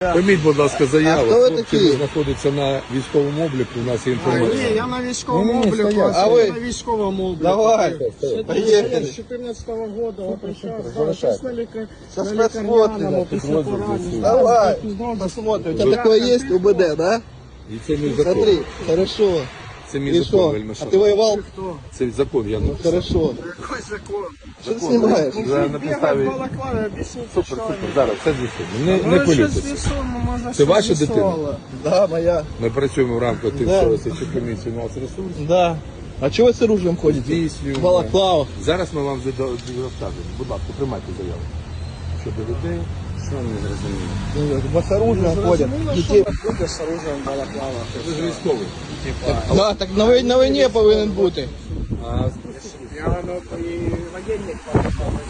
Прийміть, будь ласка, заяву. хто ви Хлопці такі? знаходяться на військовому обліку, у нас є інформація. Ні, я на військовому Ні-ні, обліку, стоять. А ви? на військовому обліку. Давай, С поехали. 14 года вот сейчас, да, залишайте. сейчас на Сейчас лікарняному посмотрим. після поранення. Давай, посмотрим. У тебя такое есть, УБД, да? І це мій закон. Смотри, хорошо. Це мій И закон, что? вельми А шановний. ты воевал? Це закон, я написав. Хорошо. Какой закон? Что ты снимаешь? Вже на Бігав підставі... в балаклаві, об'ясніть, Супер, що супер, ви. зараз все з'ясуємо. Не Ну, щось хвилюйтеся. з'ясуємо, може, Це щось ваша дитина? з'ясували. Да, моя. Ми працюємо в рамках Да. тимчасової слідчої комісії «Нацресурс». Да. А чего вы с оружием ходите? Здійснюємо. В балаклавах. Зараз ми вам розкажемо. Будь ласка, приймайте заяву. Щодо людей, що не зрозуміло. Вот с оружием ходят. Зрозуміло, що Детей. люди з оружием в балаклавах. Ви ж військовий. Да, так на войне повинен бути. А Я і воєнник балаклавах.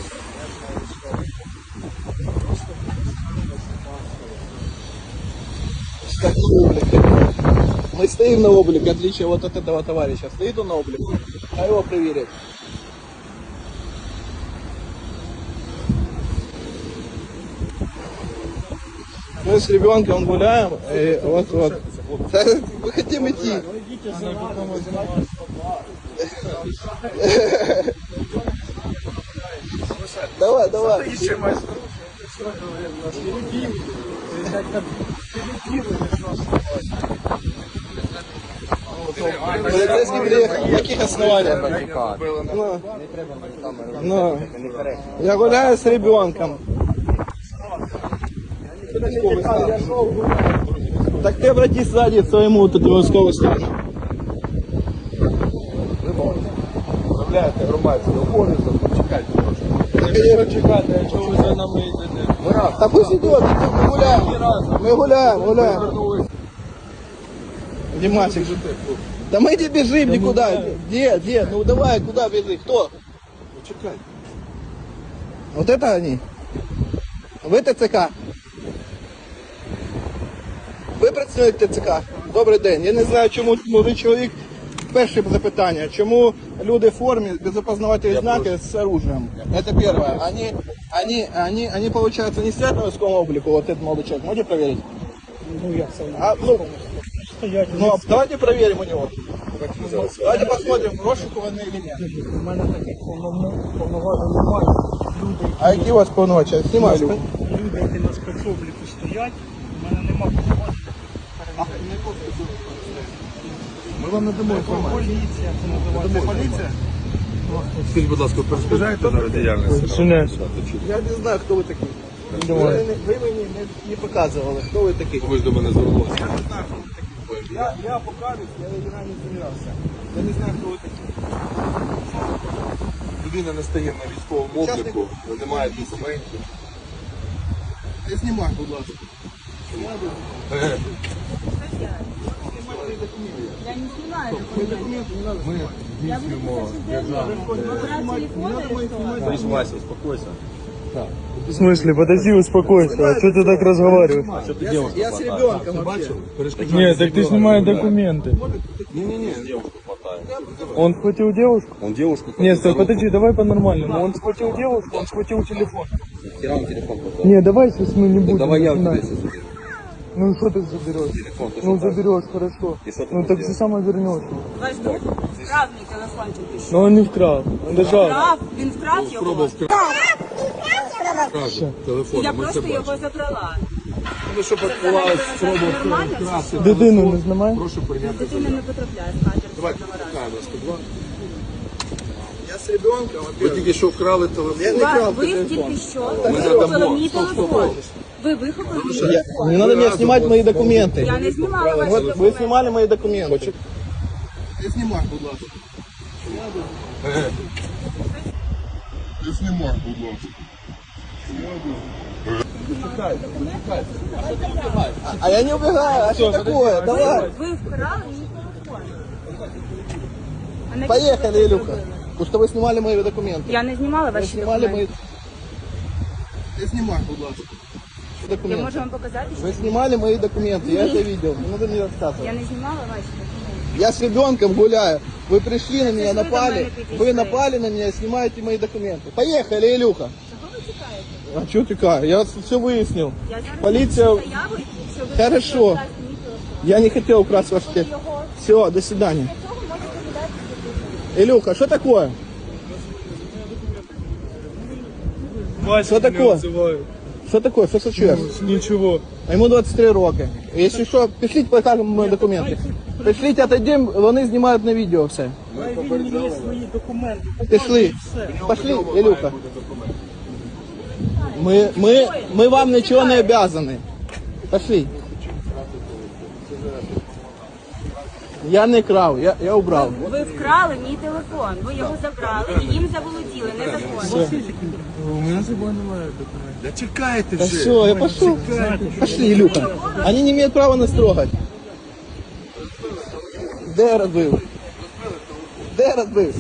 Как на облике. Мы стоим на облике, в отличие вот от этого товарища. Стоит он на облике, а его проверить. Мы с ребенком гуляем, и вот. Мы хотим идти. Давай, давай. Полицейский приехал. На каких основаниях? Ну, я гуляю с ребенком. Так ты обратись сзади к своему вот этому військовому стану. Виправляєте громадський обов'язок, чекайте трошки. Чекайте, а чого ви за нами йдете? Да пусть идет, мы гуляем. Мы гуляем. Димасик, да мы не бежим никуда. Где? Ну давай, куда бежим? Кто? Чекайте. Вот это они? Ви ТЦК? Ви працюєте ТЦК? Добрий день. Я не знаю, чому молодий чоловік. Перше запитання. Чому люди в формі без опознавательних знаків з оружием? Это первое. Они получается, не стоят на військовому облику, вот этот молодой человек. Можете проверить? Ну, як це? Ну, давайте проверим у него. Давайте посмотрим, розшукуваний или нет. У мене таких повноважень немає. Люди, А які у вас повноваження? Знімай люк. люди, які на спецобліку стоять, у мене немає повноважень. Ми вам надамо інформацію. Поліція, це називається. Поліція? Скажіть, будь ласка, перешкоджаєте на діяльність? Я не знаю, хто ви такі. Ви мені не показували, хто ви такі. Ви ж до мене звернулися. Я не знаю, хто ви такі. Я покажусь, я не змінявся. Я не знаю, хто ви такі. Людина не стає на військовому обліку, не має документів. Не знімай, будь ласка. Я не снимаю. Ми здійснюємо Вася, успокойся. В смысле? Подожди, успокойся. А что ты так разговариваешь? Что ты девушку Я з ребенком вообще. Нет, так ты снимай документы. Не-не-не. девушку хватает. Он схватил девушку? Он девушку Нет, стой, подожди, давай по-нормальному. Он схватил девушку, он схватил телефон. хера он телефон хватает. Не, давай сейчас мы не будем. Давай я у тебя начинать. сейчас заберу. Ну что ты заберешь? Телефон ты Ну что так? заберешь, хорошо. И что ты Ну будешь так делать? ты сама вернешь. Ваш друг вкрав мій телефончик і що? Но он не вкрал. Он держал. Вкрав? Він вкрав його? Телефон. Я Ми це просто бачимо. його забрала. Ну, щоб була спроба Нормально чи вкрасти. Дитину не знімай. Прошу прийняти Дитина заяву. не потрапляє з катер. Давайте чекаємо 102. Я з ребенком, Ви тільки що вкрали телефон. Я не крав Ви телефон. тільки що Ми вихопили надамо. мій Стоп, стоп, телефон. стоп. Ви вихопили мій Не телефон. надо мне снимать мои документы. Я не знімала ваші Вот вы документи. снимали мои документы. Не снимай, будь ласка. Не знімай, будь ласка. А я не убегаю, а что такое? Давай. Ви вкрали мій телефон. А навіщо Поехали, ви це Илюха. зробили? Потому что вы снимали мои документы. Я не знімала Вы ваші снимали мои... документи. Не снимай, будь ласка. Я Документы. можу вам показати, що Вы снимали мои документы, я это видел. Не надо мне я рассказывать. не знімала ваші документи. Я с ребенком гуляю. Вы пришли на меня, вы до напали. мене Вы підійшли. напали на меня и снимаете мои документы. Поехали, Илюха. Чого ви А что тікає? Я все вияснив. Я зараз Поліція... заяву, що ви Хорошо. дасть мені телефон. Я не хотел украсть ваш телефон. Його Все, до свидания. для цього можете віддати. Илюха, что такое? Вася Що мене таке? обзиває. Что такое? Что случилось? Нічого. А ему 23 роки. Если что, пришлите, покажем мої документи. Пришлите, отойдем, вони знімають на відео все. Хай він мені свої документи. Пішли. Пошли, Илюха. Мы вам ничего не обязаны. Пошли. Я не крав, я убрав. Ви вкрали мій телефон, ви його забрали і їм заволоділи незаконно. У мене з собою немає документів. Да чекайте Да вже. все, я пошел. Пошли, Илюха. Они не имеют права нас трогать. Де розбив? Де розбив?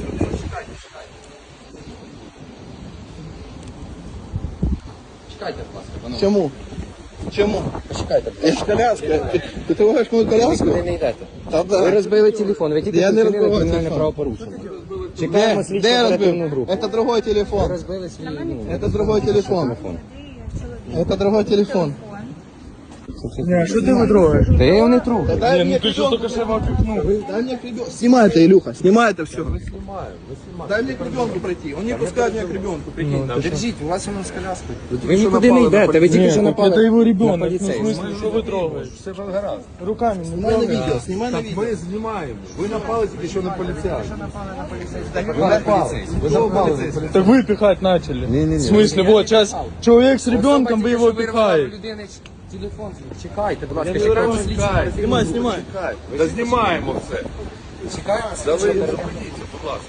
Чекайте, будь ласка, панове. Чому? Чому? Почекайте. Я ж коляска. Ти трогаєш мою коляску? Ви не йдете. Та да. Ви розбили телефон, ви тільки Я не вчинили розбивав кримінальне телефон. правопорушення. Чекаємо слідчу Де оперативну розбив? групу. Это другой телефон. Розбили свій, Это другой телефон. Это другой телефон. Ні, що ти витрогаєш? Та я його не трогаю. Дай Ні, мне ну ти що ребенку. тільки що випікнув? Дай мне к ребенку. Снимай это, Илюха, снимай это все. Дай мне к ребенку пройти. Он не пускает меня к ребенку, прикинь. Держіть, у вас воно з коляскою. Ви нікуди не йдете, ви тільки Ні, що так напали. це його ребенок. Ну, в поліцейських. смысле, що ви трогаєш? Все ж гаразд. Руками не Снимай на трогай. видео, снимай на Так видео. ми знімаємо. Ви напали тільки що на поліцейських. Ви напали. Ви напали на поліцейських. Так вы пихать начали. Не-не-не. В смысле, вот сейчас человек с ребенком, вы его Особа тільки що вирвала пихаете. в людини телефон. Чекайте, будь ласка, не чекайте вирвав. слідчу Чекай. оперативну Снимай, групу. снимай. Та знімаємо все. Чекаємо Да слідчу ви оперативну зупиніться, будь ласка.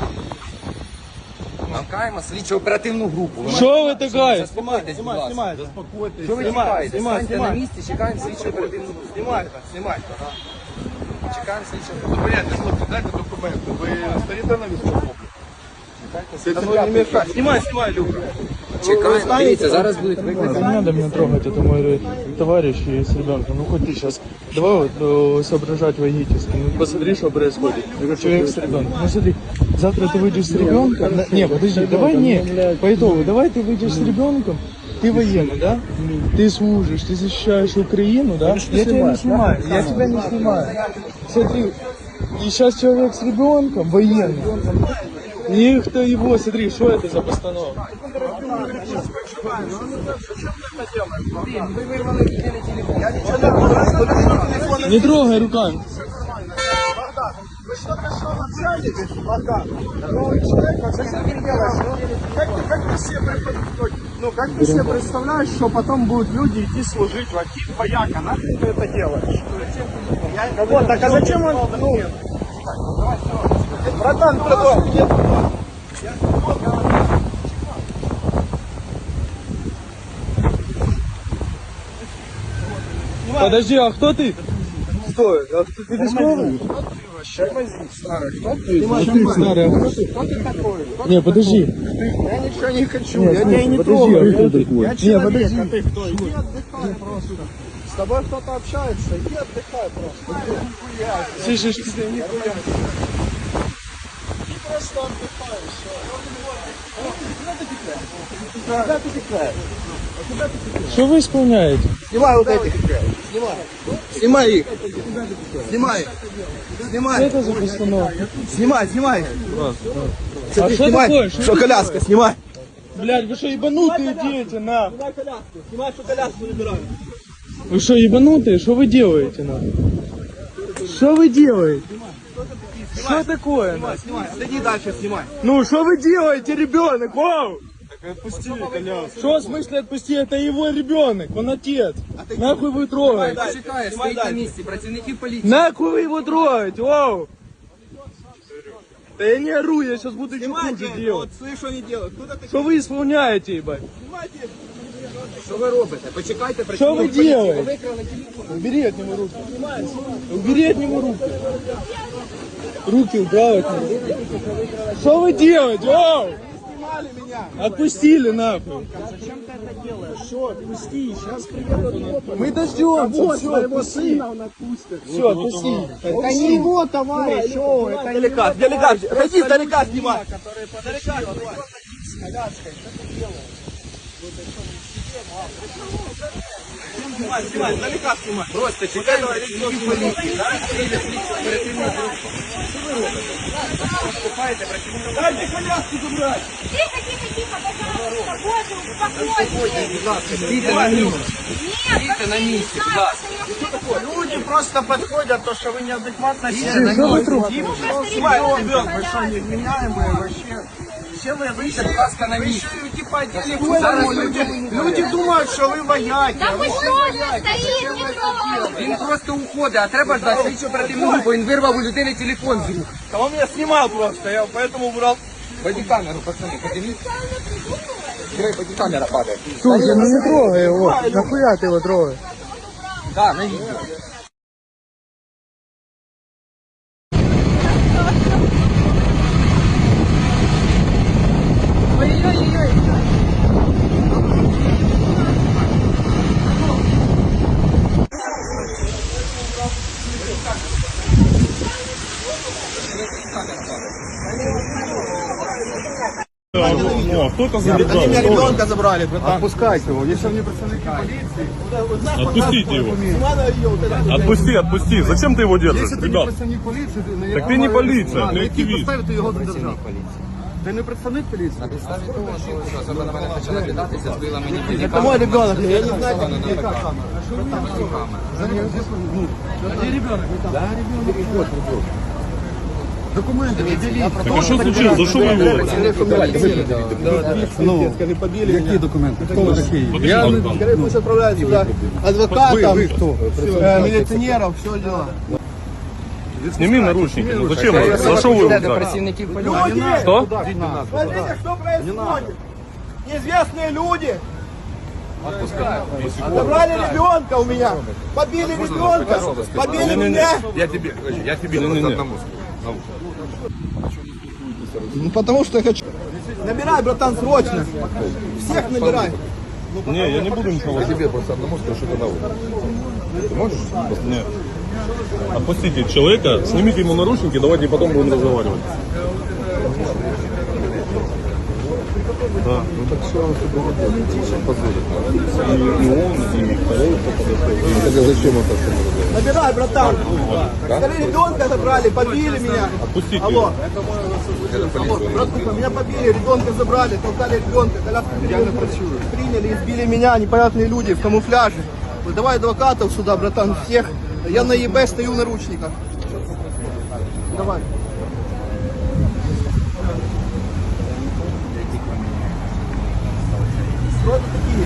Чекаємо слідчу оперативну групу. Ви Що ви така? заспокойтесь, будь ласка. Снимай. Що ви Знімай, чекаєте? знімай, Станьте на знімай. місці, чекаємо слідчу оперативну групу. Снимай, снимай. Чекаємо слідчу оперативну групу. Зупиняйте, хлопці, дайте документи. Ви стоїте на військовому? Ну, не мешай. Снимай, снимай, Илюха. Чекаємо. Дивіться, зараз будуть викликані. Не надо меня трогать, это мой товарищ и с ребенком. Ну хоть ты сейчас, давай вот соображать логически. Ну посмотри, что происходит. Человек с ребенком. Ну смотри, завтра ты выйдешь с ребенком. Не, подожди, давай не, по итогу, давай ты выйдешь с ребенком. Ты военный, да? Ты служишь, ты защищаешь Украину, да? Я тебя не снимаю, я тебя не снимаю. Смотри, и сейчас человек с ребенком, военный. И кто его, смотри, что это за постановка? Не трогай руками. Ну, как ты себе представляешь, что потом будут люди идти служить в Акив, вояка, нахуй ты это делаешь? Вот, так а зачем он, ну, братан, Подожди, а кто ты? Стой, а ты військовий? Старый, а кто ты? Не, подожди. Я ничего не хочу, Нет, я тебя не подожди, трогаю. а кто такой? Я Не, человек, подожди. а ты кто? Иди отдыхай просто. С тобой кто-то общается, иди отдыхай просто. Нихуя. Слышишь? Нихуя. Иди просто отдыхай, все. Куда ты текаешь? Что вы исполняете? Снимай вот этих. Снимай. Снимай их. Снимай. Что Снимай. это за постановка? Снимай, снимай. А Смотри, что снимай. такое? Что коляска, снимай. Блядь, вы что, ебанутые дети, на? Снимай коляску. Снимай, что коляску набираю. Вы что, ебанутые? Что вы делаете, на? Что вы делаете? Что такое, на? Снимай. Отойди дальше, снимай. Ну, что вы делаете, ребенок? Вау! Что в смысле отпусти? Это его ребенок, он отец. Нахуй вы трогаете? Чекає, стоїть на місці, працівників поліції. Нахуй вы его трогаете, вау! Да я не ору, я сейчас буду чуть Снимай, хуже вот, делать. слышь, что они делают. Куда ты? Что вы исполняете, ебать? Снимайте. Що ви робите? Почекайте, Что вы працівників поліції. Ви делаете? викрали телефон. Убери от него руки. Убери от него руки. Руки убрал от него. Что вы делаете? Вау! Снимали меня. Отпустили нахуй. зачем ты это делаешь? Что, отпусти, сейчас приедут Мы дождемся. вот Все, своего отпусти. сына он отпустит. Все, отпусти. Это не его товарищ, о, это не Далека, далека. Отойди, далека снимай. Снимай, далека снимай. Просто чекаємо працівників поліції. Зараз приїде слідчо оперативна група. Що ви робите? Поступаєте працівників. Дайте коляску забрать. Тихо, тихо, тихо, пожалуйста, Боже, успокойтесь. Будь ласка, стійте на місці. Нет, Стійте на місці, будь ласка. Люди просто подходят, то, что вы неадекватно Что сели. вы Снимай, вы что, невменяемые вообще? Все вы Стійте, будь ласка, на місці. типа телефоном, люди думают, что вы вояки. Да вы что же стоит, не трогайте. Він просто уходить, а треба ждати слідчо оперативну групу. Він вирвав у людини телефон з рук. А он меня снимал просто, я поэтому убрал. Бодікамеру, пацани, подивіться. Бодікамера падає. Слушай, ну не трогай его. Нахуя ты его трогаешь? Так, на відео. О, кто это задержал? Они меня ребенка забрали, братан. Отпускайте его, если они представники полиции. Отпустите его. Снимай на видео, вот это. Отпусти, отпусти. Зачем ты его держишь, Если ты не ребят? представник поліції, Так ти не поліція, ти на які активіст. підстави ти його задержав? Ти не представник поліції? На підставі того, що особа на мене почала кидатися, збила мені Это телефон. мой ребенок, я не знаю, как Вона где. така. Документи, виділіть. Так а что случилось? За что вы его? Ну, Скажи, побили меня. які документи? Хто ви такий? Подожди, Я не... Богдан. Скорее пусть отправляют сюда адвокатов, Ви хто? милиционеров, все дела. Сними наручники. Ну зачем? За что вы его Йде до взяли? працівників поліції. Люди! Что? Смотрите, что происходит! Неизвестные люди! Забрали ребенка у меня! Побили ребенка! Побили меня! Я тебе Не-не-не. одному Ну потому что я хочу. Набирай, братан, срочно! Всех набирай! Не, я не буду ничего. тебе просто одному скажу, что это на улице. Ты можешь? Нет. Отпустите человека, снимите ему наручники, давайте потом будем разговаривать. Да. Ну так что он себе позволит? И он, и второй. Тогда зачем он так само? Набирай, братан! Скорее ребенка забрали, побили меня! Отпустите Алло! его. Алло, братуха, меня побили, ребенка забрали, толкали ребенка, коляску приняли, избили меня непонятные люди в камуфляже. Вот давай адвокатов сюда, братан, всех. Я на ЕБ стою в наручниках. Давай. Что это такие?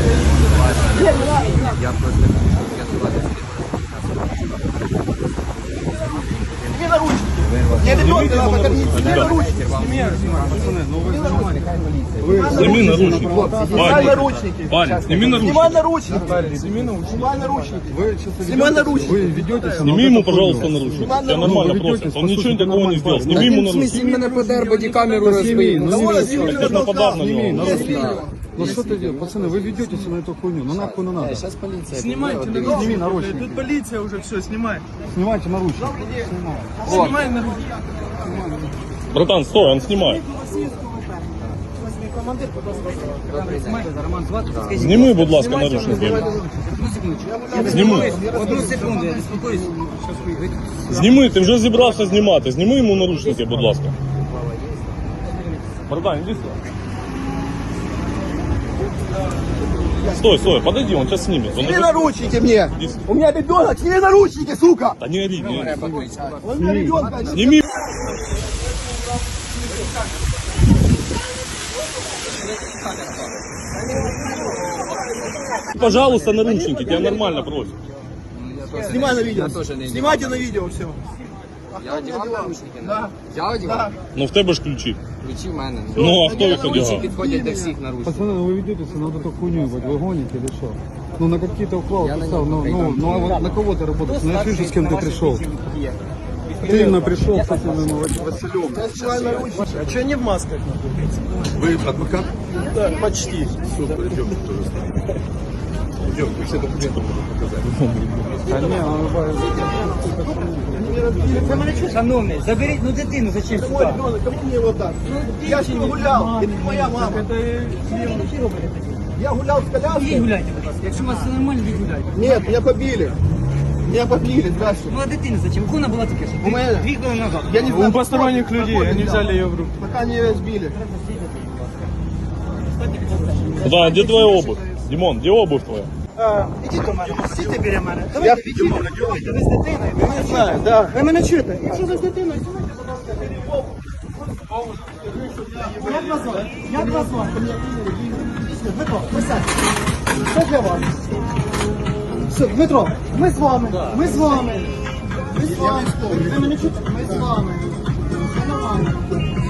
Сними наручники. Мне ребенка надо покормить. Сними наручники. Сними наручники. Снимай Парень, наручники. парень, сними Снимай наручники. наручники. Снимай наручники. Ви чисто Снимай Вы наручники. ведете себя Сними ему, пожалуйста, наручники. Тебя нормально просят. Он ничего такого не сделал. Сними ему В смысле, наручники. він мене подер, бодікамеру розбив. Так это нападав на него. Ну что ты делаешь? Пацаны, вы ведете себя на эту хуйню. Ну нахуй не надо. Зараз поліція. Снимайте Сними наручники. наручники. Тут полиция уже все, снимай. Снимайте наручники. Снимай наручники. Братан, стой, он снимает. Зніми, будь ласка, наручники. Зніми. Одну секунду, я не спілкуюсь. Зніми, ти вже зібрався знімати. Зніми йому наручники, будь ласка. Братан, иди сюда. Стой, стой, подойди, он сейчас снимет. Он Сними уже... наручники мне. Иди сюда. У меня ребенок. Сними наручники, сука. Да не ори, не ори. Он у меня ребенка. Сними. Пожалуйста, наручники, тебя нормально просят. Снимай на видео. тоже не Снимайте на видео все. Я одягав наручники? Да. Я одягав? Ну в тебе ж ключі. Ключі в мене. Ну а хто їх Ключі одягав? підходять до всіх наручників. Пацаны, ну вы ведете себя на вот эту хуйню, ебать, вы гоните или что? Ну на какие-то уколы Я на представь, него ну а вот на кого ты работаешь? Ну я вижу, с кем ты пришел. Ты именно пришел с этим Василем. Снимай наручники. А что не в масках? Вы адвокат? Да, почти. Все, пойдем, тоже станем. Идем, вы все документы будут показать. Да не, он Шановний, заберіть ну дитину, зачем Мой сюди? ребенок, кому мне его так? Я с ним гулял. Это не моя мама. Я гулял с Ідіть коляской. гуляйте, будь ласка. Якщо у вас все нормально, ідіть гуляйте. Нет, меня побили. Меня побили, здрасте. Ну а дитина зачем? Вона була тільки що. У мене. 2 хвилини назад. Я не знаю, У посторонних людей, они взяли ее в руки. пока не разбили. Да, где твоя обувь? Димон, где обувь твоя? Ідіть до мене, стійте біля мене. Я Давайте відійдемо. Ви з дитиною, ви мене знаю, да. Ви мене чуєте? Якщо ви з дитиною, знімайте, будь ласка, Як вас звати? Як вас звати? Дмитро, присядьте. Це для вас. Все, Дмитро, ми з вами. Ми з вами. Ми з вами. Ви мене чуєте? Ми з вами. Все нормально.